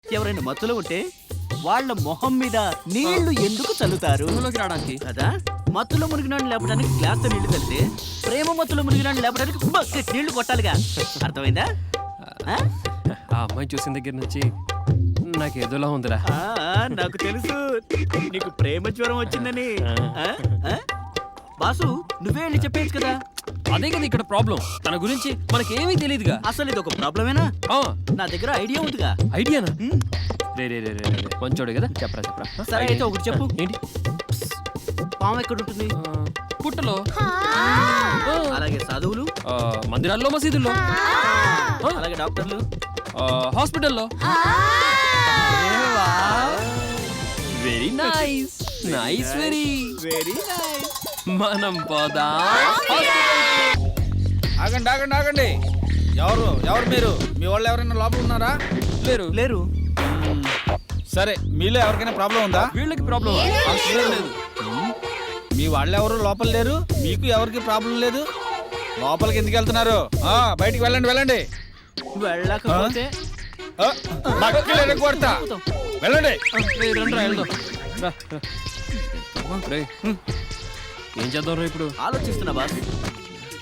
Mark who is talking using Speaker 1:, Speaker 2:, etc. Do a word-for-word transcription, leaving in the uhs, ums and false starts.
Speaker 1: ఎవరైనా మత్తులో ఉంటే వాళ్ళ మొహం మీద నీళ్లు ఎందుకు చల్లుతారు?
Speaker 2: రావడానికి
Speaker 1: కదా మత్తులో మునిగినాన్ని లేపడానికి గ్లాస్ తో నీళ్లు చల్లితే ప్రేమ మత్తులో మునిగినాన్ని లేపడానికి బకెట్ నీళ్లు కొట్టాలిగా. అర్థమైందా? ఆ?
Speaker 2: ఆ అమ్మాయి చూసిన దగ్గర నుంచి నాకు ఏదోలా ఉందిరా.
Speaker 1: ఆ, నాకు తెలుసు నీకు ప్రేమ జ్వరం వచ్చిందని. ఆ? ఆ? బాసు నువ్వే వెళ్ళి చెప్పేయచ్చు కదా.
Speaker 2: అదే కదా ఇక్కడ ప్రాబ్లం. తన గురించి మనకేమీ తెలియదుగా.
Speaker 1: అసలు ఇది ఒక ప్రాబ్లమేనా? నా దగ్గర ఐడియా ఉందిగా.
Speaker 2: ఐడియానా? రే రే రే రే రే మంచోడే కదా, చెప్పరా చెప్పరా.
Speaker 1: సరే అయితే ఒకటి చెప్పు.
Speaker 2: ఏంటి?
Speaker 1: పాము ఎక్కడ ఉంటుంది?
Speaker 2: ఆ, పుట్టలో.
Speaker 1: అలాగే సాధువులు?
Speaker 2: ఆ, మందిరాల్లో, మసీదుల్లో.
Speaker 1: అలాగే డాక్టర్లు?
Speaker 2: ఆ, హాస్పిటల్లో. Very nice nice very
Speaker 1: very nice.
Speaker 2: మనం పోదా.
Speaker 3: ఆగండి ఆగండి ఆగండి. ఎవరు ఎవరు మీరు? మీ వాళ్ళు ఎవరైనా లోపల ఉన్నారా?
Speaker 2: లేరు
Speaker 1: లేరు.
Speaker 3: సరే, మీలో ఎవరికైనా ప్రాబ్లం ఉందా?
Speaker 2: వీళ్ళకి ప్రాబ్లం లేదు.
Speaker 3: మీ వాళ్ళు ఎవరు లోపల లేరు, మీకు ఎవరికి ప్రాబ్లం లేదు. లోపలికి ఎందుకు వెళ్తున్నారు? ఆ, బయటికి వెళ్ళండి వెళ్ళండి.
Speaker 1: వెళ్ళకపోతే
Speaker 3: ఆ, బట్టలు ఎరగొడతా. వెళ్ళండి.
Speaker 2: రేయ్, రండ్రా, వెళ్దాం. రా, రా. రేయ్, ఏం చేద్దాం రా ఇప్పుడు?
Speaker 1: ఆలోచిస్తున్నా బాస్.